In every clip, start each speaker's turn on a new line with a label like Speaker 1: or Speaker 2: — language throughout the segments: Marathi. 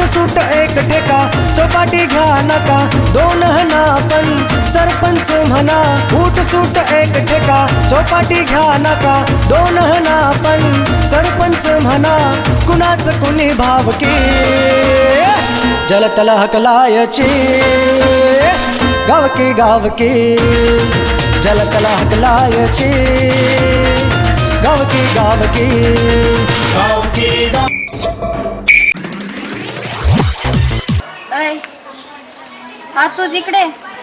Speaker 1: सूट एक टेका चौपाटी घ्या नका दोन हना पण सरपंच म्हणा फूट सूट एक टेका चौपाटी घ्या नका दोन हना पण सरपंच म्हणा कुणाच कुणी भावकी जलतल हकलायची गावकी गावकी जलतल हकलायची गावकी गावकी गावकी
Speaker 2: हा तू जिकडे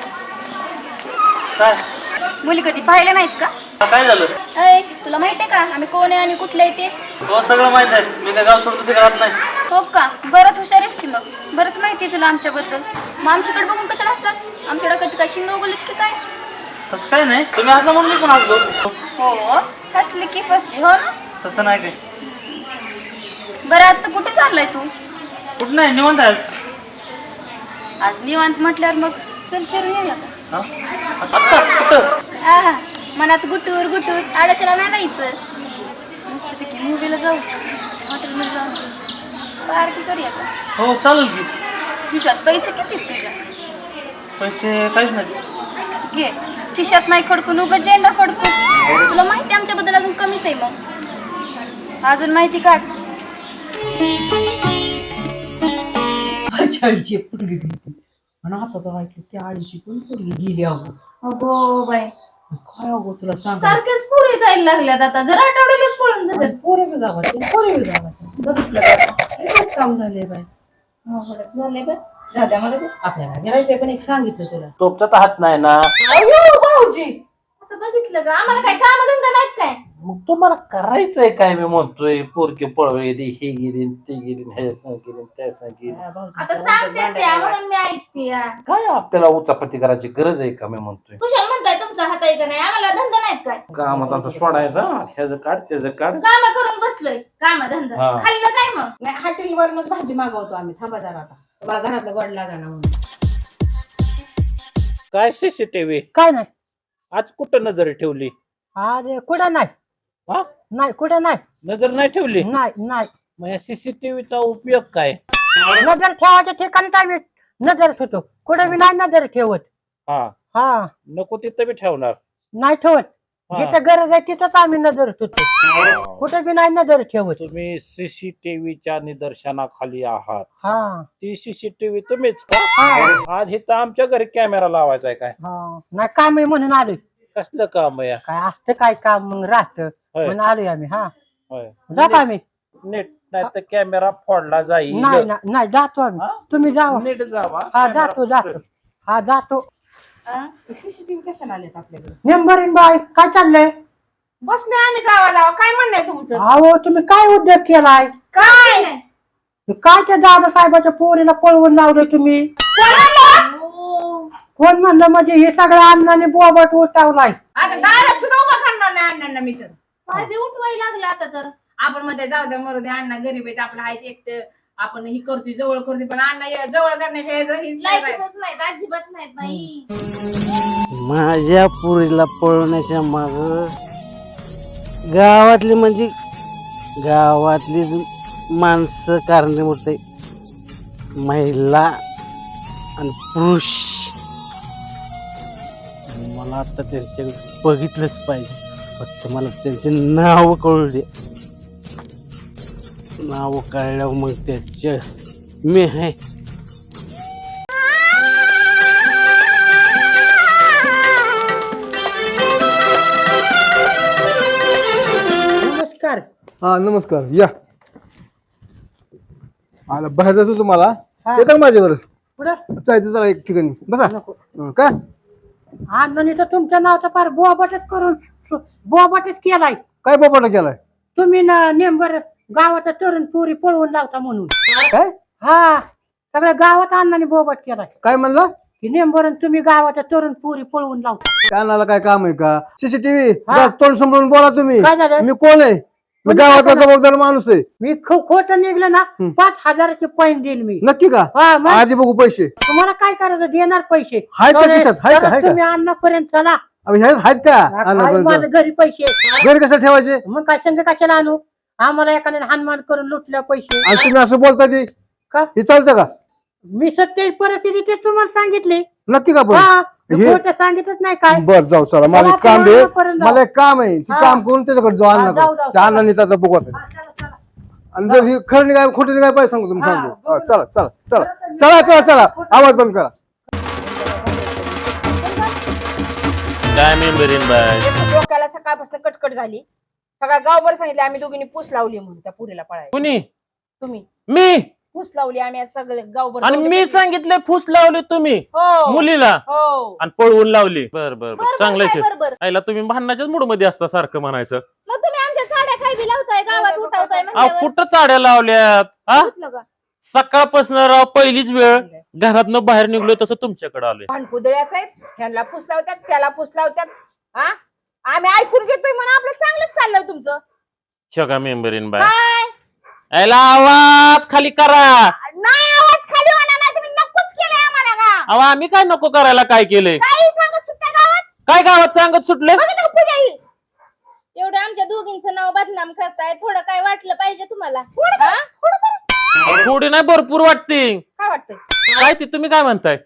Speaker 3: काय
Speaker 2: मुली कधी पाहिल्या नाहीत का?
Speaker 3: काय झालं?
Speaker 4: अय तुला माहिती आहे का आम्ही कोण आहे आणि कुठलं आहे ते?
Speaker 3: हो सगळं माहित आहे. मी काय गाव सोडून दुसरीकडे राहत नाही.
Speaker 2: हो का? बरंच हुशार आहेस की मग. बरंच माहिती आहे तुला आमच्याबद्दल.
Speaker 4: मग आमच्याकडे बघून कशाला हसलास? आमच्या डोक्यात काय शिंग उगवलीत की काय?
Speaker 3: तसं काय नाही. तुम्ही हसला म्हणून मी पण हसलो.
Speaker 2: हो हसली की फसली हो ना.
Speaker 3: तसं नाही काय.
Speaker 2: बरं आता कुठे चाललाय तू?
Speaker 3: कुठं नाही निवांत आहेस.
Speaker 2: आज निवांत म्हटल्यावर मग चल फिरून येऊया का?
Speaker 3: आत्ता कुठं?
Speaker 4: आहा मनात गुटूर गुटूर आडशाला नाही जायचं.
Speaker 2: मस्तपैकी मूवीला जाऊ हॉटेलमध्ये जाऊ पार्टी करूया का?
Speaker 3: हो चालेल की.
Speaker 2: खिशात पैसे किती आहेत तुझ्या?
Speaker 3: पैसे काहीच नाही.
Speaker 2: घे खिशात नाही खडकून उगत झेंडा फडकू.
Speaker 4: तुला माहिती आहे आमच्याबद्दल अजून कमीच आहे मग.
Speaker 2: अजून माहिती काढ.
Speaker 5: आळीची एक पोरगी गेली आणि आता तर ऐकलं त्या आळीची पण पोरगी गेली अगो
Speaker 4: अगो बाय
Speaker 5: काय अगो तुला सांग
Speaker 4: सारखेच पुढे जायला लागल्यात आता जर आठवड्यालाच पळून जातात.
Speaker 5: पोरेचं जावा पोरेचं जावा बघितलं का? काम झाले बाय
Speaker 4: झाले बघ राजामध्ये
Speaker 5: आपल्याला गेलायचंय पण एक सांगितलं तुला
Speaker 3: टोपचा तर हात नाही ना.
Speaker 5: भाऊजी
Speaker 4: आता बघितलं का आम्हाला काय कामधंदा नाहीत काय?
Speaker 3: मग तुम्हाला करायचंय काय मी म्हणतोय पोरके पळवे हे गेली ते गेली हे गेली त्या गेली.
Speaker 4: आता सांगते त्या म्हणून मी ऐकते.
Speaker 3: काय आपल्याला उचापती करायची गरज आहे का मी म्हणतोय.
Speaker 4: कुशाल म्हणताय तुमचा हात आहे का नाही? आम्हाला धंदा नाहीत काय?
Speaker 3: कामात आता सोडायचा ह्याचं काढ त्याचं काढ.
Speaker 4: काम करून बसलोय काम धंदा
Speaker 3: हा.
Speaker 4: खाल्लं काय मग?
Speaker 5: नाही हॉटेलवरनच भाजी मागवतो आम्ही थांबा जरा आता मला घरातलं गोड लागा ना म्हणून.
Speaker 3: काय सीसीटीव्ही
Speaker 6: काय नाही
Speaker 3: आज कुठं नजर ठेवली?
Speaker 6: अरे कुठं नाही
Speaker 3: हा
Speaker 6: नाही कुठं नाही
Speaker 3: नजर नाही ठेवली.
Speaker 6: नाही नाही
Speaker 3: मग या सीसीटीव्हीचा उपयोग काय?
Speaker 6: नजर ठेवायच्या ठिकाणी काय मी नजर ठेवतो कुठं मी नाही नजर ठेवत.
Speaker 3: हा
Speaker 6: हा
Speaker 3: नको तिथं बी ठेवणार.
Speaker 6: नाही ठेवत
Speaker 3: हा.
Speaker 6: जिथं गरज आहे तिथंच आम्ही नजर ठेवतो कुठं बी नाही नजर ठेवत.
Speaker 3: तुम्ही सीसीटीव्हीच्या निदर्शनाखाली आहात.
Speaker 6: हा
Speaker 3: ती सीसीटीव्ही तुम्हीच का? आज इथं आमच्या घरी कॅमेरा लावायचा आहे काय?
Speaker 6: हा नाही काम आहे म्हणून आलोय.
Speaker 3: कसलं काम आहे?
Speaker 6: काय असतं काय काम मग राहतं
Speaker 3: होय.
Speaker 6: म्हणून आलोय आम्ही. हा
Speaker 3: होय.
Speaker 6: जातो आम्ही.
Speaker 3: नीट नाही तर कॅमेरा फोडला जाईल.
Speaker 6: नाही नाही जातो आम्ही.
Speaker 3: हा?
Speaker 6: तुम्ही जावा.
Speaker 3: नीट जावा.
Speaker 6: हा
Speaker 3: कॅमेरा
Speaker 6: जातो जातो. हा जातो.
Speaker 5: सीसीटीव्ही कशाला आलेत आपल्याकडे?
Speaker 6: नेंबरीन बाई काय चाललंय?
Speaker 5: बसले आम्ही जावा जावा काय म्हणणं आहे तुमचं?
Speaker 6: अहो तुम्ही काय उद्योग केलाय?
Speaker 5: काय
Speaker 6: काय त्या दादा साहेबाच्या पोरीला पळवून लावलं तुम्ही? कोण म्हणलं म्हणजे हे सगळं अन्नाने बोबट उठावलाय.
Speaker 5: आता दारात सुद्धा उभा करणार नाही अण्णांना मी तर.
Speaker 4: काय बी उठवायला लागलं आता तर.
Speaker 5: आपण मध्ये जाऊ द्या मरू द्या अण्णा गरीब आहेत आपलं आहेत एकटं आपण ही करतोय जवळ करतोय पण अण्णा जवळ करण्याच्या ह्याचं
Speaker 4: लायकीच नाहीत अजिबात नाहीत बाई.
Speaker 7: माझ्या पुरीला पळवण्याच्या माग गावातली म्हणजे गावातली माणसं कारणीभूत आहे. महिला आणि पुरुष मला आता त्यांच्याकडे बघितलंच पाहिजे. फक्त मला त्यांचे नाव कळू दे. नाव कळल्यावर मग त्याच्या मी आहे.
Speaker 6: नमस्कार.
Speaker 8: हा नमस्कार या आला बाहेर जातो तुम्हाला
Speaker 6: हा.
Speaker 8: येतं का माझ्यावर
Speaker 6: कुठं?
Speaker 8: जायचं जरा एक ठिकाणी बसा
Speaker 6: नको.
Speaker 8: काय
Speaker 6: अण्णाने तर तुमच्या नावाचा फार बोबाटच करून बोबाटच केलाय.
Speaker 8: काय बापाला केलाय
Speaker 6: तुम्ही नेंबर गावाचा तरुण पोरी पळवून लावता म्हणून.
Speaker 8: काय
Speaker 6: हा सगळ्या गावात अण्णाने बोबाट केलाय
Speaker 8: काय म्हणला
Speaker 6: की नेंबर तुम्ही गावाच्या तरुण पोरी पळवून लावता.
Speaker 8: कानाला काय काम आहे का सीसीटीव्ही
Speaker 6: हा.
Speaker 8: तोंड सांभाळून बोला तुम्ही
Speaker 6: काय झालं?
Speaker 8: मी कोण आहे मी
Speaker 6: कोणी
Speaker 8: गावातला
Speaker 6: काय
Speaker 8: जबाबदार माणूस आहे
Speaker 6: मी खोटं निघलं ना 5,000चे पैन देईल मी.
Speaker 8: नक्की का
Speaker 6: हा मग
Speaker 8: आधी बघू पैसे
Speaker 6: तुम्हाला काय करायचं देणार पैसे.
Speaker 8: आहेत का खिशात? आहेत का?
Speaker 6: तर तुम्ही अण्णापर्यंत चला.
Speaker 8: आम्ही आहेत का
Speaker 6: आहे माझं घरी पैसे.
Speaker 8: घरी कसं ठेवायचे
Speaker 6: मग काय संग कशाला आणू? आम्हाला एखाद्याने हानमान करून लुटल्या पैसे.
Speaker 8: आणि तुम्ही असं बोलता ते
Speaker 6: का?
Speaker 8: हे चालतं का
Speaker 6: मी सत्य परिस्थिती तेच तुम्हाला सांगितले.
Speaker 8: नक्की का पण
Speaker 6: हा
Speaker 8: हे-
Speaker 6: खोटं सांगितलंच नाही काय.
Speaker 8: बर जाऊ चला मला
Speaker 6: चला,
Speaker 8: एक काम आहे
Speaker 6: पर्यंत जाऊ.
Speaker 8: मला एक काम आहे ते
Speaker 6: हा.
Speaker 8: काम करून त्याच्याकडे जाऊ
Speaker 6: हा, जाऊ,
Speaker 8: अण्णाकडे
Speaker 6: जाऊ,
Speaker 8: त्या
Speaker 6: चला.
Speaker 8: अण्णांनी त्याचा बघत
Speaker 6: हा, चला, चला.
Speaker 8: आणि जर ही खरं काय खोटं काय पाहिजे सांगू तुम्ही
Speaker 6: हा,
Speaker 8: सांगतो
Speaker 6: बघू.
Speaker 8: चला चला चला चला चला चला आवाज बंद करा.
Speaker 7: काय मेंबरीन बाय
Speaker 5: डोक्याला सकाळपासून कटकट झाली. सगळ्या गावभर सांगितले आम्ही दोघींनी पूस लावली म्हणून त्या पुरीला पळायला.
Speaker 7: कुणी
Speaker 5: तुम्ही
Speaker 7: मी
Speaker 5: पूस लावली आम्ही आज सगळे गावभर
Speaker 7: आणि
Speaker 5: दौडले
Speaker 7: मी
Speaker 5: गेले.
Speaker 7: सांगितले फुस लावले तुम्ही
Speaker 5: हो
Speaker 7: मुलीला
Speaker 5: हो
Speaker 7: आणि पळवून लावली. बर बर बर चांगलं आहे ते.
Speaker 4: बरोबर
Speaker 7: आईला तुम्ही भांडणाच्याच मूड मध्ये असता सारखं म्हणायचं.
Speaker 4: मग तुम्ही आमच्या साड्या काय बी लावताय गावात उठावताय
Speaker 7: अहो
Speaker 4: म्हणल्यावर.
Speaker 7: कुठं चाड्या लावल्यात हा
Speaker 4: उठलं का?
Speaker 7: सकाळपासून राव पहिलीच वेळ घरातनं बाहेर निघलो तसं तुमच्याकडे आलोय.
Speaker 5: भांडकुदळ्याच आहेत. ह्यांना पूस लावतात त्याला पूस लावतात. हा आम्ही ऐकून घेतोय म्हणून आपलं चांगलंच चाललंय तुमचं.
Speaker 7: शगा मेंबरीन बाय
Speaker 5: काय
Speaker 7: आईला आवाज खाली करा.
Speaker 5: नाही आवाज खाली होणार नाही. तुम्ही नकोच केलंय आम्हाला का
Speaker 7: अहो आम्ही काय नको करायला काय केलंय
Speaker 5: काही सांगत सुद्धा गावात
Speaker 7: काय गावात सांगत सुटले.
Speaker 5: बघा ना पूजा ही.
Speaker 4: एवढं आमच्या दोघींचं नाव बदनाम करताय. थोडं काय वाटलं पाहिजे तुम्हाला?
Speaker 7: थोडी नाही भरपूर वाटते.
Speaker 5: काय वाटतंय
Speaker 7: काय ते तुम्ही काय म्हणताय.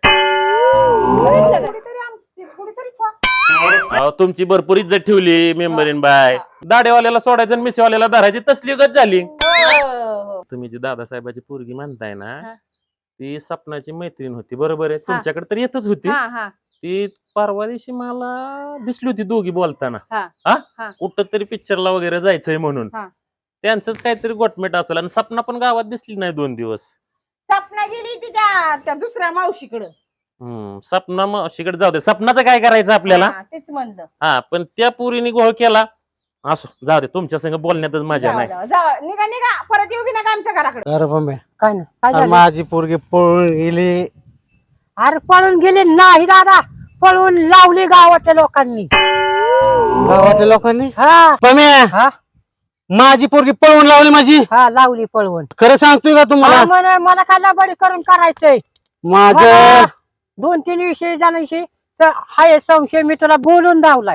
Speaker 5: थोडीतरी
Speaker 7: अहो तुमची भरपूर इज्जत ठेवली मेंबरीन बाय. दाढेवाल्याला सोडायचं आणि मिसेवाल्याला धरायची तसली गत झाली. तुम्ही जी दादासाहेबाची पोरगी म्हणताय ना
Speaker 5: हा.
Speaker 7: ती सपनाची मैत्रीण होती बरोबर आहे. तुमच्याकडे तर येतच होती.
Speaker 5: हा हा
Speaker 7: ती परवा दिवशी मला दिसली होती दोघी बोलताना.
Speaker 5: हा.
Speaker 7: हा
Speaker 5: हा.
Speaker 7: कुठं तरी पिक्चरला वगैरे जायचंय म्हणून
Speaker 5: हा.
Speaker 7: त्यांचंच काहीतरी गोटमेट असेल आणि सपना पण गावात दिसली नाही 2 दिवस.
Speaker 5: सपना गेली तिच्या त्या दुसऱ्या मावशीकडं.
Speaker 7: सपना मावशीकडे जाऊ दे. सपनाचं काय करायचं आपल्याला.
Speaker 5: हा, तेच म्हणलं.
Speaker 7: हा पण त्या पोरीने गोळ केला. असो जाऊ दे तुमच्या संग बोलण्यातच मजा
Speaker 5: जावा,
Speaker 7: नाही.
Speaker 5: जावा, जावा. निघा निघा परत येऊ बी नका आमच्या घराकडे.
Speaker 7: अरे बंबे
Speaker 6: काय नाही काय झालं?
Speaker 7: माझी पोरगी पळून गेली.
Speaker 6: अरे पळून गेले नाही दादा. पळून लावली गावाच्या लोकांनी.
Speaker 7: गावातल्या लोकांनी
Speaker 6: हा
Speaker 7: बम्या माझी पोरगी पळून लावली माझी.
Speaker 6: हा लावली पळवून.
Speaker 7: खरं सांगतोय का तुम्हाला.
Speaker 6: मला काय लबाडी करून करायचंय.
Speaker 7: माझं
Speaker 6: 2-3 विषय जणांशी तर हाय संशय मी तुला बोलून धावलाय.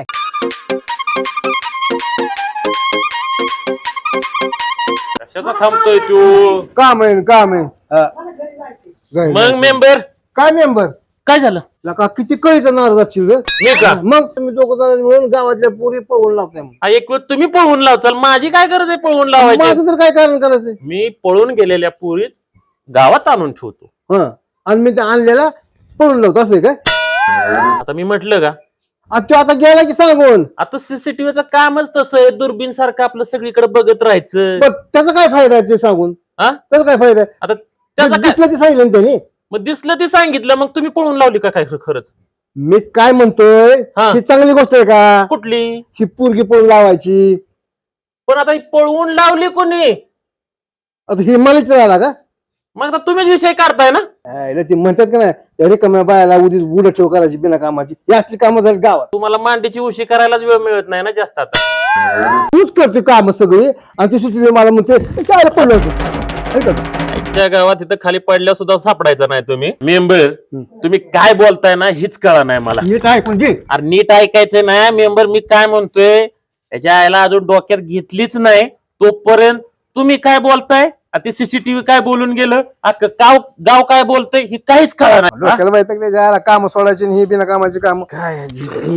Speaker 7: कशाचा थांबतोय तू.
Speaker 8: काम आहे काम आहे हा. जाईल.
Speaker 7: मग मेंबर
Speaker 8: काय मेंबर
Speaker 7: काय झालं.
Speaker 8: लका किती कळीचं नाराज असशील रे.
Speaker 7: मी का
Speaker 8: मग तुम्ही दोघं जण मिळून गावातल्या पुरी पळवून लावताय मग.
Speaker 7: हा, एक वेळ तुम्ही पळवून लावचाल. माझी काय गरज आहे पळवून लावायची.
Speaker 8: माझं तर काय कारण करायचंय.
Speaker 7: मी पळून गेलेल्या पुरीत गावात आणून ठेवतो.
Speaker 8: हा आणि मी ते आणलेला पळून लावतो असं आहे काय.
Speaker 7: आता मी म्हटलं का
Speaker 8: आणि तो आता गेला की सांगून
Speaker 7: आता सीसीटीव्हीचं कामच तसं आहे. दुर्बीन सारखं आपलं सगळीकडे बघत राहायचं.
Speaker 8: बरं, त्याचा काय फायदा आहे ते सांगून.
Speaker 7: हा?
Speaker 8: त्याचा काय फायदा आहे.
Speaker 7: आता त्याचं काय
Speaker 8: दिसलं ते सांगितलं ना त्यांनी.
Speaker 7: मग दिसलं ते सांगितलं. मग तुम्ही पळून लावली का काय खरंच.
Speaker 8: मी काय म्हणतोय
Speaker 7: हा.
Speaker 8: ही चांगली गोष्ट आहे का
Speaker 7: कुठली.
Speaker 8: ही पोरगी पळून लावायची.
Speaker 7: पण आता ही पळवून लावली कोणी.
Speaker 8: आता ही मलाच राहिला का.
Speaker 7: मग आता तुम्हीच विषय काढताय ना.
Speaker 8: ते म्हणतात का नाही रिकाम्या बायाला उदी उडत ठेव करायची बिना कामाची. ही असली कामं झाली गावात.
Speaker 7: तुम्हाला मांडीची उशी करायलाच वेळ मिळत नाही ना जास्त आता.
Speaker 8: तूच करते काम सगळी आणि ती सुचली मला म्हणते काय पडलं होतं.
Speaker 7: आजच्या गावात इथं खाली पडल्या सुद्धा सापडायचं नाही तुम्ही. मेंबर तुम्ही काय बोलताय ना हीच कळा नाही मला.
Speaker 8: नीट आहे म्हणजे
Speaker 7: अरे नीट ऐकायचं नाही मेंबर. मी काय म्हणतोय त्याच्या आईला अजून डोक्यात घेतलीच नाही तोपर्यंत तुम्ही काय बोलताय. ती सीसीटीव्ही काय बोलून गेलं. गाव काय बोलतंय हे काहीच कळा नाही.
Speaker 8: डोक्याला माहिती आहे का काम सोडायची आणि ही बिना कामाची काम.
Speaker 7: काय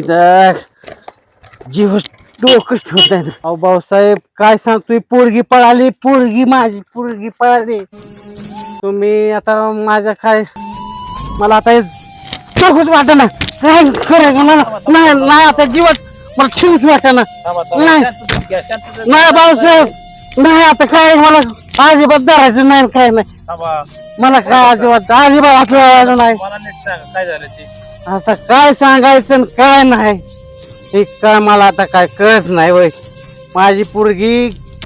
Speaker 7: जीव डोकंच ठेवत नाही.
Speaker 9: अहो भाऊसाहेब काय सांगतोय. पोरगी पळाली. पोरगी माझी पोरगी पळाली. तुम्ही आता माझ्या काय मला आता डोकंच वाटत ना काय करायचं मला. नाही नाही आता जीवात मला ठेवूच वाटत ना. नाही भाऊसाहेब नाही आता काय मला अजिबात धरायचं नाही काय नाही. मला काय अजिबात आठवलं नाही.
Speaker 7: काय झालं ते.
Speaker 9: आता काय सांगायचं आणि काय नाही हे काय मला आता काय कळत नाही. वय माझी पोरगी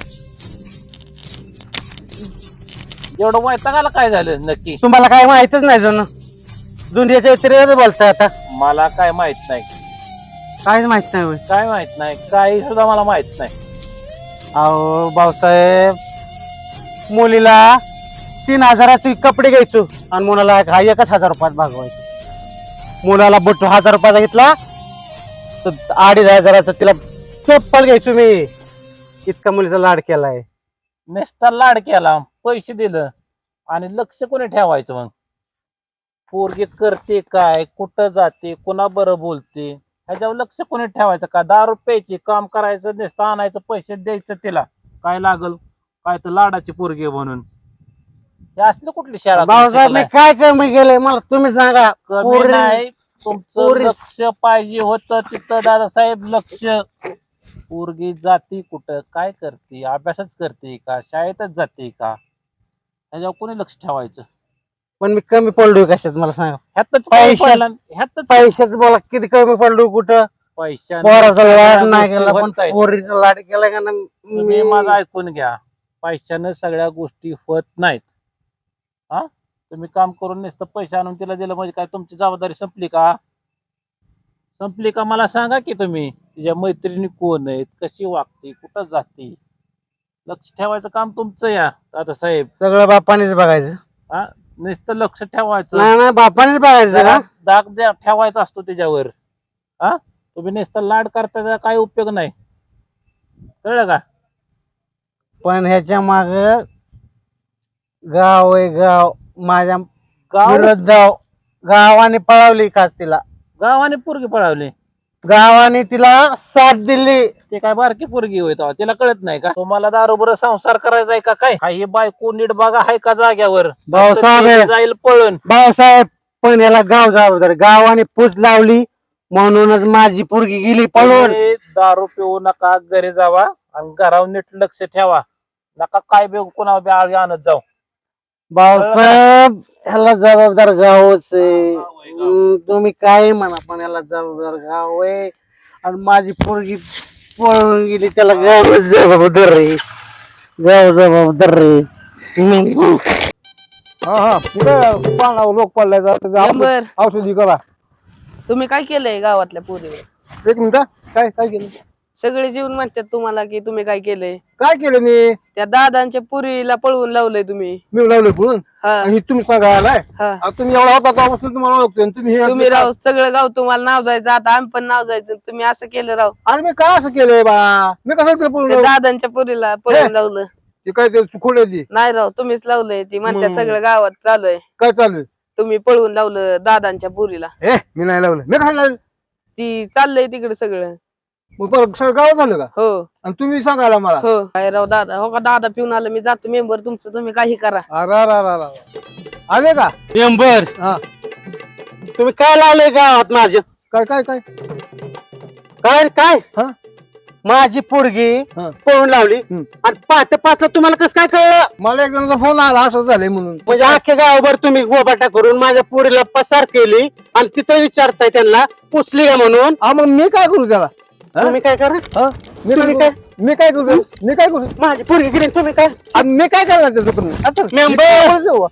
Speaker 7: एवढं वैतागाला काय झालं नक्की.
Speaker 9: तुम्हाला काय माहितच नाही जण दुनियाच्या इतर बोलताय आता.
Speaker 7: मला काय माहित नाही.
Speaker 9: काहीच माहित नाही. वय
Speaker 7: काय माहित नाही. काही सुद्धा मला माहित नाही.
Speaker 9: अहो भाऊसाहेब मुलीला 3,000चे कपडे घ्यायचो आणि मुलाला 1,000 रुपयात भागवायचो. मुलाला बट्टू 1,000 रुपयाचा घेतला तर 2,500 तिला चप्पल घ्यायचो मी. इतका मुलीचा लाड केलाय.
Speaker 7: नुसता लाड केला पैसे दिलं
Speaker 3: आणि लक्ष कोणी ठेवायचं मग? पोरगी करते काय, कुठं जाते, कोणा बरं बोलते, ह्याच्यावर लक्ष कोणी ठेवायचं का? 10 रुपयाची काम करायचं, नुसतं आणायचं, पैसे द्यायचं, तिला काय लागल काय तर लाडाची पोरगी आहे म्हणून. हे असलं कुठली शहरात
Speaker 9: भाऊसाहेब मी काय कमी केलंय मला तुम्ही सांगा.
Speaker 3: कमी नाही, तुमचं लक्ष पाहिजे होतं तिथं दादासाहेब. लक्ष, पोरगी जाती कुठं, काय करते, अभ्यासच करते का, शाळेतच जाते का, ह्याच्यावर कोणी लक्ष ठेवायचं?
Speaker 9: पण मी कमी पडलोय कशात मला सांगा.
Speaker 3: ह्यातच
Speaker 9: पैशाच बोला किती कमी पडलो कुठं. पोराचा लाड नाही केला पण पोरीचा लाड केला का ना.
Speaker 3: तुम्ही माझं ऐकून घ्या, पैशानं सगळ्या गोष्टी होत नाहीत. हा, तुम्ही काम करून नुसतं पैसे आणून तिला दिलं म्हणजे काय तुमची जबाबदारी संपली का? संपली का मला सांगा की तुम्ही. तिच्या मैत्रिणी कोण आहेत, कशी वागते, कुठं जाते, लक्ष ठेवायचं काम तुमचं या दादासाहेब.
Speaker 9: सगळं बापानेच बघायचं.
Speaker 3: हा, नुसतं लक्ष ठेवायचं,
Speaker 9: नाही बापानेच बघायचं ना.
Speaker 3: दाग ठेवायचा असतो त्याच्यावर. हा, तुम्ही नुसतं लाड करता त्याचा काय उपयोग नाही, कळलं का?
Speaker 9: पण ह्याच्या माग गाव आहे, गाव माझ्या
Speaker 3: गाव
Speaker 9: विरोध गावाने पळवली खास तिला.
Speaker 3: गावाने पोरगी पळावली,
Speaker 9: गावाने तिला साथ दिली.
Speaker 3: ते काय बारकी पोरगी होय तेव्हा, तिला कळत नाही का? तुम्हाला दारोबर संसार करायचा आहे का काय? हा, ही बायको नीट बघा आहे का जाग्यावर,
Speaker 9: भाऊसाहेब
Speaker 3: जाईल पळून.
Speaker 9: भाऊसाहेब पण याला गाव जबाबदार. गावाने पूज लावली म्हणूनच माझी पोरगी गेली पळून.
Speaker 3: तुम्ही दारू पिऊ नका, घरी जावा आणि घरावर नीट लक्ष ठेवा. नका काय बे कोणा बी आळी आणत जाऊ.
Speaker 9: भाऊसाहेब ह्याला जबाबदार गावच आहे. तुम्ही काय म्हणा पण याला जबाबदार गाव आहे. आणि माझी पोरगी पळून गेली त्याला गाव जबाबदार रे. गाव जबाबदार रे.
Speaker 8: हा हा कुठे पाण्यावर लोक पडलाय. औषधी करा.
Speaker 10: तुम्ही काय केलंय गावातल्या पोरीवर?
Speaker 8: एक मिनिट, काय काय केलं?
Speaker 10: सगळे जीवन म्हणतात तुम्हाला की तुम्ही काय केलंय.
Speaker 8: काय केलं मी?
Speaker 10: त्या दादांच्या पुरीला पळवून लावलंय तुम्ही.
Speaker 8: मी लावलं म्हणून
Speaker 10: हा
Speaker 8: आणि तुम्ही सांगायला
Speaker 10: हा.
Speaker 8: आता तुम्ही एवढा होता तेव्हापासून तुम्हाला ओळखतोय आणि तुम्ही हे
Speaker 10: तुम्ही राव सगळं गाव तुम्हाला नाव जायचं, आता आम्ही पण नाव जायचं, तुम्ही असं केलं राव.
Speaker 8: आणि मी काय असं केलंय बा? मी कसं
Speaker 10: त्या
Speaker 8: केलं?
Speaker 10: दादांच्या पुरीला पळवून लावलं.
Speaker 8: ते काय ते चुकवण्याची
Speaker 10: नाही राव तुम्हीच लावलंय. ती म्हणतात
Speaker 8: मग.
Speaker 10: सगळं गावात चालू आहे
Speaker 8: काय चालू आहे?
Speaker 10: तुम्ही पळवून लावलं दादांच्या पुरीला.
Speaker 8: मी नाही लावलं. मी काय लावलं?
Speaker 10: ती चाललंय तिकडे सगळं.
Speaker 8: मग परत सगळं गाव झालं का?
Speaker 10: हो
Speaker 8: आणि तुम्ही सांगायला मला?
Speaker 10: हो काय राव दादा, हो का दादा पिऊन आलं, मी जातो मेंबर तुमचं, तुम्ही काही करा.
Speaker 8: आले का
Speaker 9: मेंबर?
Speaker 8: हा.
Speaker 9: तुम्ही काय लावलंय गावात माझ्या?
Speaker 8: काय काय काय
Speaker 9: काय काय
Speaker 8: हा?
Speaker 9: माझी पोरगी
Speaker 8: हा.
Speaker 9: पळून लावली आणि पाठ पाचला तुम्हाला कसं काय कळलं?
Speaker 8: मला एक जणांचा फोन आला असं झालंय म्हणून.
Speaker 9: म्हणजे अख्ख्या गावभर तुम्ही गोबाटा करून माझ्या पोरीला पसार केली आणि तिथं विचारताय त्यांना पुसली का म्हणून.
Speaker 8: हा, मग मी काय करू त्याला?
Speaker 9: तुम्ही काय करा?
Speaker 8: हा? मी
Speaker 9: तुम्ही
Speaker 8: काय मी काय करू? मी काय करू?
Speaker 9: माझी पोरगी गेली तुम्ही काय?
Speaker 8: आणि मी काय करणार त्याचं पण? आता
Speaker 9: मेंबर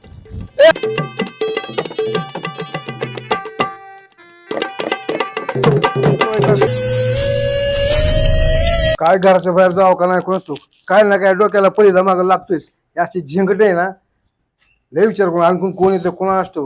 Speaker 8: काय घराच्या बाहेर जावं का नाही कोणतो काय ना काय डोक्याला पहिला माग लागतोय. अशी झिंकट आहे ना, लय विचार करून आणखून कोण येतो कोणा असतो.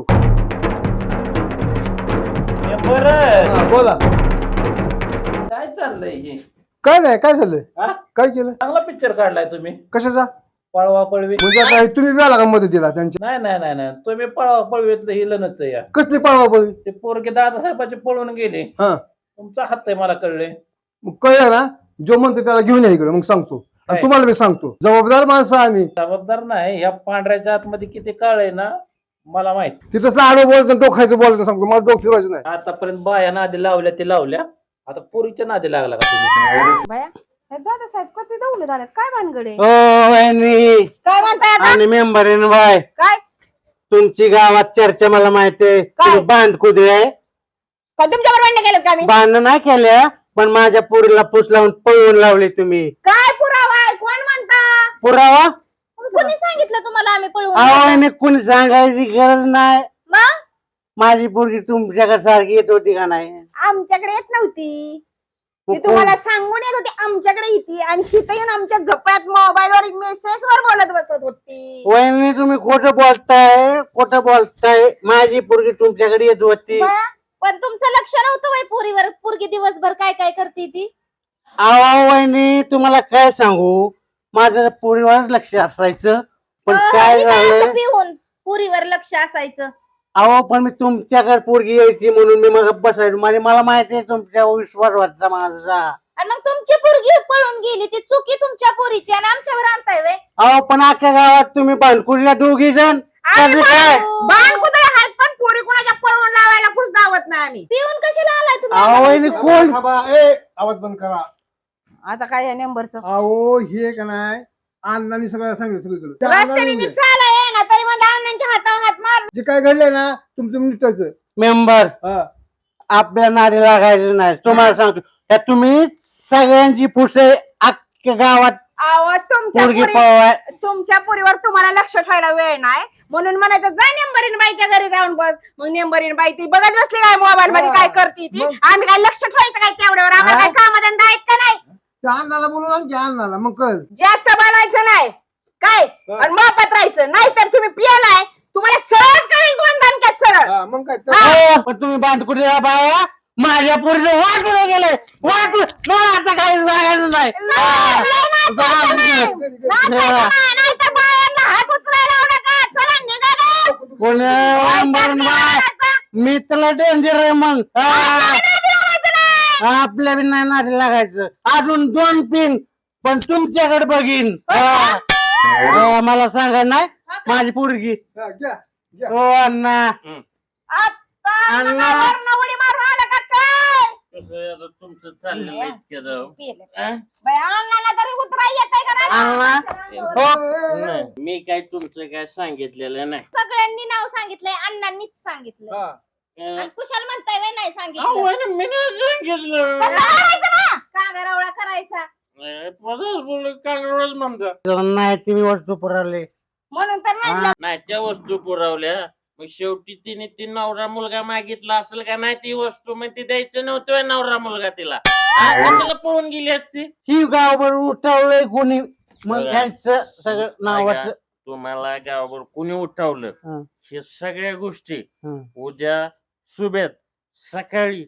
Speaker 8: बोला
Speaker 3: काय चाललंय हे?
Speaker 8: काय नाही, काय झालं?
Speaker 3: हा?
Speaker 8: काय केलं?
Speaker 3: चांगला पिक्चर काढलाय तुम्ही.
Speaker 8: कशाचा?
Speaker 3: पळवा पळवी.
Speaker 8: म्हणजे आता तुम्ही मिळाला का मदतीला त्यांच्या?
Speaker 3: नाही नाही नाही नाही, तुम्ही पळवा पळवीतलं हिलनच या.
Speaker 8: कसली पळवा पळवी?
Speaker 3: ते पोरगे दादासाहेबाचे पळून गेले,
Speaker 8: हा,
Speaker 3: तुमचा हात आहे मला कळले.
Speaker 8: मग कळलं ना, जो म्हणतो त्याला घेऊन या इकडे, मग सांगतो. आणि तुम्हाला मी सांगतो, जबाबदार माणसं आम्ही.
Speaker 3: जबाबदार नाही, ह्या पांढऱ्याच्या आतमध्ये किती काळ आहे ना मला माहित.
Speaker 8: तिथं आडो बोलायचं डोखायचं बोलायचं सांगतो, मला डोक फिरवायचं नाही.
Speaker 3: आतापर्यंत बाया नादी लावल्या ते लावल्या, आता पोरीच्या नादी लागला का तुम्ही?
Speaker 2: बाया दादा साहेब कधी दौले झाले काय भानगडे?
Speaker 9: ओ वहिनी
Speaker 2: काय म्हणताय आता?
Speaker 9: आणि मेंबर बाय
Speaker 2: काय
Speaker 9: तुमची गावात चर्चा मला माहितीये. तुम्ही भांडकुदे आहे.
Speaker 2: तुमच्यावर भांडण केलं का मी?
Speaker 9: भांडण नाही केल्या पण माझ्या पोरीला पूस लावून पळवून लावली तुम्ही.
Speaker 2: काय पुरावा आहे? कोण म्हणता?
Speaker 9: पुरावा?
Speaker 4: कोणी सांगितलं तुम्हाला आम्ही पळवून?
Speaker 9: आवाने कुणी सांगायची गरज नाही.
Speaker 4: मग
Speaker 9: माझी पोरगी तुमच्याकडे सारखी येत होती का नाही?
Speaker 2: आमच्याकडे येत नव्हती, ती तुम्हाला सांगून येत होती आमच्याकडे येते आणि तिथे येऊन आमच्या झोपड्यात मोबाईलवर मेसेज वर बोलत बसत होती.
Speaker 9: वहिनी तुम्ही खोटं बोलताय. माझी पोरगी तुमच्याकडे येत होती.
Speaker 4: पण तुमचं लक्ष नव्हतं वय पोरीवर? पोरगी दिवसभर काय काय करते ती?
Speaker 9: आवा वहिनी तुम्हाला काय सांगू, माझं पोरीवरच लक्ष असायचं. पण काय
Speaker 4: हे काय
Speaker 9: झालं
Speaker 4: असं पिऊन पुरीवर लक्ष असायचं.
Speaker 9: अहो पण मी तुमच्याकडे पोरगी यायची म्हणून मी मग बसायचो म्हणजे मला माहिती आहे तुमच्या विश्वास वाटचा माझा.
Speaker 4: आणि मग तुमची पोरगी पळून गेली ती चुकी तुमच्या पोरीची आणि आमच्यावर आणताय वे.
Speaker 9: अहो पण अख्ख्या गावात तुम्ही बांधकुडल्या दोघी जण
Speaker 2: आम्ही
Speaker 9: काय
Speaker 2: बाण कुत्रे हात पण पोरी कोणाच्या पळवून लावायला खुश दावत नाही आम्ही.
Speaker 4: पिऊन कशाला आलाय
Speaker 9: अहो
Speaker 4: तुम्ही?
Speaker 9: वहिनी कोण
Speaker 8: थांबा, ए आवाज बंद करा.
Speaker 2: आता काय या नंबरचं
Speaker 8: अहो हे का नाही अण्णांनी सगळं सांगितलं सगळीकडे त्या
Speaker 2: रस्त्याने
Speaker 8: अण्णांनी
Speaker 2: नीट चाला ये ना तरी मग अण्णांच्या हातावर हात मार.
Speaker 8: जे काय घडलंय ना तुमचं निष्ठाचं.
Speaker 9: मेंबर
Speaker 8: हा.
Speaker 9: आपल्या नादी लागायचं नाही तुम्हाला सांगतो त्या तुम्ही सगळ्यांची पुसे अख्ख्या गावात
Speaker 2: आवाज
Speaker 9: पोरगी पळवाय
Speaker 2: तुमच्या पोरीवर तुम्हाला लक्ष ठेवायला वेळ नाही म्हणून म्हणायचं जा नेंबरीन बाईच्या घरी जाऊन बस. मग नेंबरीन बाई ती बघत बसली काय मोबाईल मध्ये काय करते ती. आम्ही काय लक्ष ठेवायचं काय तेवढ्यावर आम्हाला काय कामधंदा आहेत का नाही.
Speaker 8: त्या अण्णाला बोलून आणखी अण्णाला मग कळ.
Speaker 2: जास्त बोलायचं नाही काय आणि मोफत राहायचं नाही तर तुम्ही पियालाय तुम्हाला सरळ करेल 2 दणक्यात सरळ.
Speaker 8: मग काय
Speaker 9: हो, पण तुम्ही बांधकुडल्या बाया माझ्या पोरीचं वाटून गेले वाटून मला आता काही सांगायचं नाही.
Speaker 2: नाही तर बायांना हात उचलायला लावू नका. चला निघा.
Speaker 9: मी त्याला डेंजर आहे मग आपल्या बी नाही नादी लागायचं. अजून 2 पिन पण तुमच्याकडे बघीन. मला सांगा नाही माझी पोरगी हो अण्णा अण्णा
Speaker 2: उडी मारून आला का काय
Speaker 7: तुमचं चाललेलं आहे इतक्या जाऊ.
Speaker 2: बाई अण्णाला तरी उतराय येतंय का नाही?
Speaker 9: अण्णा हो
Speaker 7: नाही, मी काय तुमचं काय सांगितलेलं नाही.
Speaker 4: सगळ्यांनी नाव सांगितलंय अण्णांनीच सांगितलं आणि कुशाल म्हणताय वे नाही सांगितलं.
Speaker 7: अहो, मी नाही सांगितलं.
Speaker 4: कांगारावळा करायचा.
Speaker 7: कांगडच म्हणतो.
Speaker 9: नाही तुम्ही वस्तू पुरवले
Speaker 2: म्हणून तर नाही
Speaker 7: नाही त्या वस्तू पुरवल्या मग शेवटी तिने ती नवरा मुलगा मागितला असेल का नाही ती वस्तू मग ती द्यायचं नव्हतं नवरा मुलगा तिला. कशाला पळून गेली असती.
Speaker 9: ही गावभर उठवलंय कोणी मग
Speaker 7: बघा.
Speaker 9: त्यांचं सगळं नावाचं
Speaker 7: तुम्हाला गावावर कुणी उठवलं
Speaker 9: हं.
Speaker 7: हे सगळ्या गोष्टी
Speaker 9: हं.
Speaker 7: उद्या सुबेत सकाळी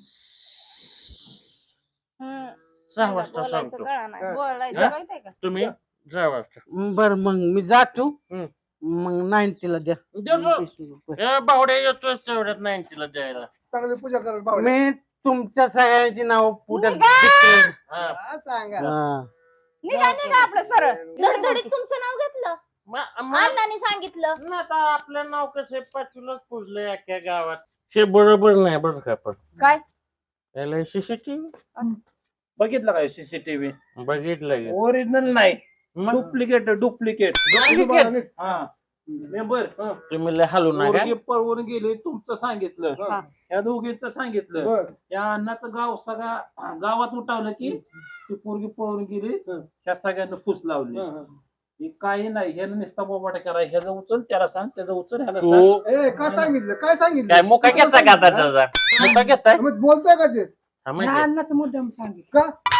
Speaker 7: 6 वाजता सांगतो.
Speaker 4: बोलायचं
Speaker 7: तुम्ही 6 वाजता
Speaker 9: बर मग मी जातो
Speaker 7: हं.
Speaker 9: मग 90 ला द्या
Speaker 7: या बावड्या येतोय तेवढ्यात 90 द्यायला.
Speaker 8: चांगली पूजा करायला पाहिजे.
Speaker 9: मी तुमच्या सगळ्यांची नाव पुढे
Speaker 7: हा.
Speaker 8: सांगा
Speaker 2: निघा आपलं सरळ.
Speaker 4: धडधडीत तुमचं नाव घेतलं अण्णांनी सांगितलं.
Speaker 7: ना आता आपलं नाव कसं 5लाच पुजलंय अख्ख्या गावात. हे बरोबर नाही बरं का पण
Speaker 2: काय
Speaker 7: याला सीसीटीव्ही
Speaker 3: बघितलं काय सीसीटीव्ही
Speaker 7: बघितलं
Speaker 3: ओरिजिनल नाही
Speaker 7: मग
Speaker 3: डुप्लिकेट डुप्लिकेट. हा मेंबर
Speaker 7: तुम्ही लय हलू नका.
Speaker 3: पोरगी पळवून गेले तुमचं सांगितलं
Speaker 8: हा.
Speaker 3: या दोघींचं सांगितलं
Speaker 8: बर.
Speaker 3: या अण्णाचं गाव सगळ्या गावात उठावलं की ती पोरगी पळवून गेली ह्या सगळ्यांना फुस लावली. हे काही नाही ह्यानं नुसता बोबाटा करा ह्याचं उचल त्याला सांग त्याचं उचल ह्याला सांग.
Speaker 7: तू
Speaker 8: ए काय सांगितलं काय सांगितलं
Speaker 7: काय मुका घेता का आता त्याचा मुका घेताय
Speaker 8: मग बोलतोय का ते
Speaker 7: हा, म्हणजे.
Speaker 6: अण्णाचं मुद्दाम सांगितलं.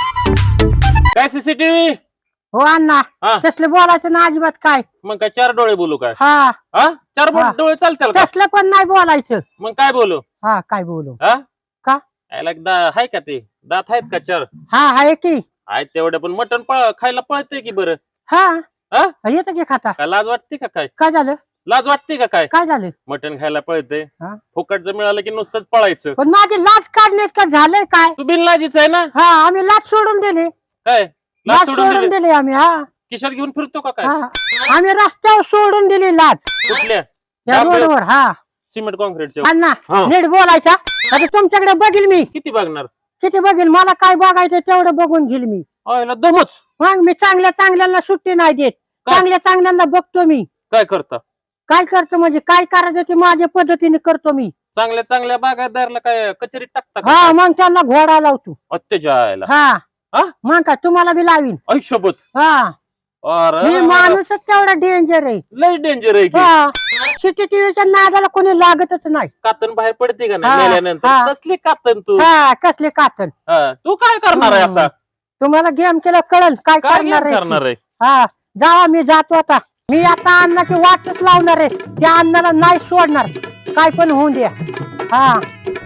Speaker 8: का
Speaker 7: काय सीसीटीव्ही
Speaker 6: हो अण्णा
Speaker 7: हा.
Speaker 6: तसलं बोलायचं ना अजिबात काय.
Speaker 7: मग काय 4 डोळे बोलू काय
Speaker 6: हा
Speaker 7: हा 4
Speaker 6: हा.
Speaker 7: डोळे चालतील का
Speaker 6: तसलं पण नाही बोलायचं.
Speaker 7: मग काय बोलू
Speaker 6: हा काय बोलू
Speaker 7: हा
Speaker 6: का?
Speaker 7: याला हाय का ते दात आहेत का 4
Speaker 6: हा आहे की
Speaker 7: आहेत तेवढे पण मटण खायला पळतंय की बरं.
Speaker 6: हा
Speaker 7: हा?
Speaker 6: येतं की खाता.
Speaker 7: काय लाज वाटते का काय
Speaker 6: काय झालं
Speaker 7: लाज वाटते का काय
Speaker 6: काय झालं
Speaker 7: मटण खायला पळतंय
Speaker 6: हा?
Speaker 7: फुकट जर मिळालं की नुसतंच पळायचं.
Speaker 6: पण माझी लाच काढण्यात का झालंय काय.
Speaker 7: तू बिनलाजीच आहे ना
Speaker 6: हा आम्ही लाच सोडून दिली.
Speaker 7: काय लाज
Speaker 6: लाच
Speaker 7: सोडून
Speaker 6: सोडून
Speaker 7: दिली
Speaker 6: दिली आम्ही. हा
Speaker 7: खिशात घेऊन फिरतो का काय
Speaker 6: हा आम्ही रस्त्यावर सोडून दिली लाच
Speaker 7: कुठल्या
Speaker 6: या
Speaker 7: डांबरे-
Speaker 6: रोडवर. हा
Speaker 7: सिमेंट कॉन्क्रीटच्या
Speaker 6: अण्णा
Speaker 7: हा.
Speaker 6: नीट बोलायचा. आता तुमच्याकडे बघील मी
Speaker 7: किती बघणार
Speaker 6: किती बघील मला काय बघायचं तेवढं बघून घेईल मी.
Speaker 7: याला दमच
Speaker 6: मग मी चांगल्या चांगल्याला सुट्टी नाही देत.
Speaker 7: काय?
Speaker 6: चांगल्या चांगल्यांना बघतो मी.
Speaker 7: काय करता
Speaker 6: काय करतो म्हणजे काय करायचं ते माझ्या पद्धतीने करतो मी.
Speaker 7: चांगल्या चांगल्या बागायतदारला काय कचेरीत टाकता का
Speaker 6: हा
Speaker 7: काय?
Speaker 6: मग त्यांना घोडा लावतो.
Speaker 7: अत्याचाराला
Speaker 6: हा
Speaker 7: हा?
Speaker 6: मग काय तुम्हाला बी लावीन.
Speaker 7: आयुष्यभूत
Speaker 6: हा
Speaker 7: अरे
Speaker 6: मी माणूसच तेवढा डेंजर आहे.
Speaker 7: लय डेंजर आहे की
Speaker 6: हा सीसीटीव्हीच्या नादाला कोणी लागतच नाही.
Speaker 7: कातन बाहेर पडते का
Speaker 6: हा,
Speaker 7: नाही मेल्यानंतर
Speaker 6: हा.
Speaker 7: कसली कातन तू
Speaker 6: हा कसले कातन.
Speaker 7: हा, तू काय करणार आहे असा
Speaker 6: तुम्हाला गेम केलं कळल काय
Speaker 7: काय
Speaker 6: करणार आहे.
Speaker 7: करणार आहे
Speaker 6: हा जावा मी जातो आता. मी आता अन्नाची वाटच लावणार आहे. त्या अन्नाला नाही सोडणार काय पण होऊन द्या. हा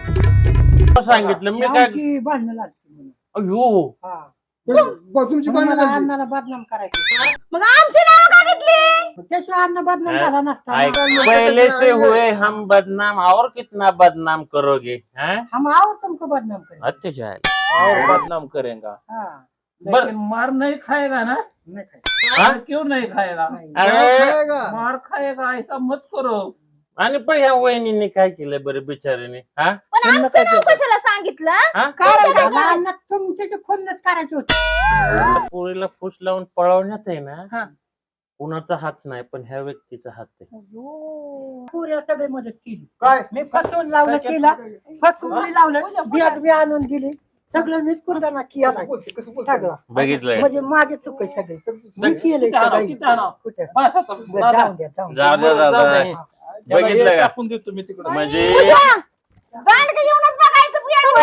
Speaker 7: सांगितलं मी काय
Speaker 6: भांडणं लागली.
Speaker 7: अयो
Speaker 8: तुमची भांडणं झाली.
Speaker 6: अन्नाला बदनाम करायचं.
Speaker 2: मग आमची नाव का घेतली
Speaker 6: त्याशिवाय अन्न बदनाम झाला नसता
Speaker 7: ऐक, पहले से हुए हम बदनाम और कितना बदनाम करोगे हैं?
Speaker 6: हम और तुमको बदनाम करें
Speaker 7: अच्छे जाए
Speaker 3: और बदनाम करेगा
Speaker 6: हाँ,
Speaker 3: लेकिन मार नहीं खाएगा ना?
Speaker 6: नहीं खाए.
Speaker 7: हाँ?
Speaker 3: क्यों नहीं खाएगा?
Speaker 6: नहीं.
Speaker 7: अरे
Speaker 3: मार खाएगा ऐसा मत करो.
Speaker 7: आणि पण ह्या वहिनीने काय केलंय बरं बिचारीने हा
Speaker 4: पण
Speaker 3: त्यांना
Speaker 4: आमचं
Speaker 3: काय
Speaker 4: नाव
Speaker 3: केलं?
Speaker 4: कशाला सांगितलं
Speaker 7: हा?
Speaker 6: कारण काय अन्न तुमचे खूनच करायचे होते.
Speaker 7: पोरीला फुस लावून पळवण्यात आहे ना कुणाचा हात नाही पण ह्या व्यक्तीचा हात आहे.
Speaker 6: पुऱ्या सगळी मदत केली.
Speaker 8: काय
Speaker 6: मी फसवून लावलं तिला, फसवून मी लावलं, बियात बी आणून दिली, सगळं मीच कुर्बाना केला सगळं.
Speaker 7: बघितलंय
Speaker 6: म्हणजे माझे चुक आहे सगळे. मी केलंय
Speaker 3: किती आणावं,
Speaker 6: सगळं.
Speaker 3: किती आणावं?
Speaker 6: कुठे?
Speaker 3: बस आता, दादा.
Speaker 6: जाऊन द्या, जाऊन द्या.
Speaker 7: जाऊ द्या
Speaker 3: जाऊ
Speaker 7: दादा
Speaker 3: दे. त्याला
Speaker 7: बघितलं
Speaker 3: हे
Speaker 7: का?
Speaker 3: टाकून देतो मी तिकडे.
Speaker 7: म्हणजे
Speaker 2: दांडगे येऊनच बघायचं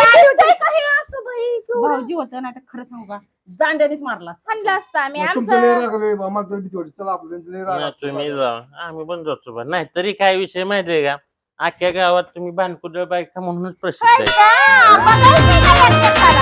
Speaker 5: भाऊजी होतं नाही तर खरं सांगू का दांड्यानेच मारला.
Speaker 4: हाणलं असतं आम्ही
Speaker 8: तुमचं लय
Speaker 4: आमचं
Speaker 8: राग रे, आम्हाला तर भीती वाटते. चला आपलं त्यांचं लय राग
Speaker 7: नाही,
Speaker 8: आहे.
Speaker 7: तुम्ही जा आम्ही पण जातो बा नाही तरी काय विषय माहितीये का अख्ख्या गावात तुम्ही भानकुदळ बायका म्हणूनच प्रसिद्ध आहे
Speaker 2: बघायचं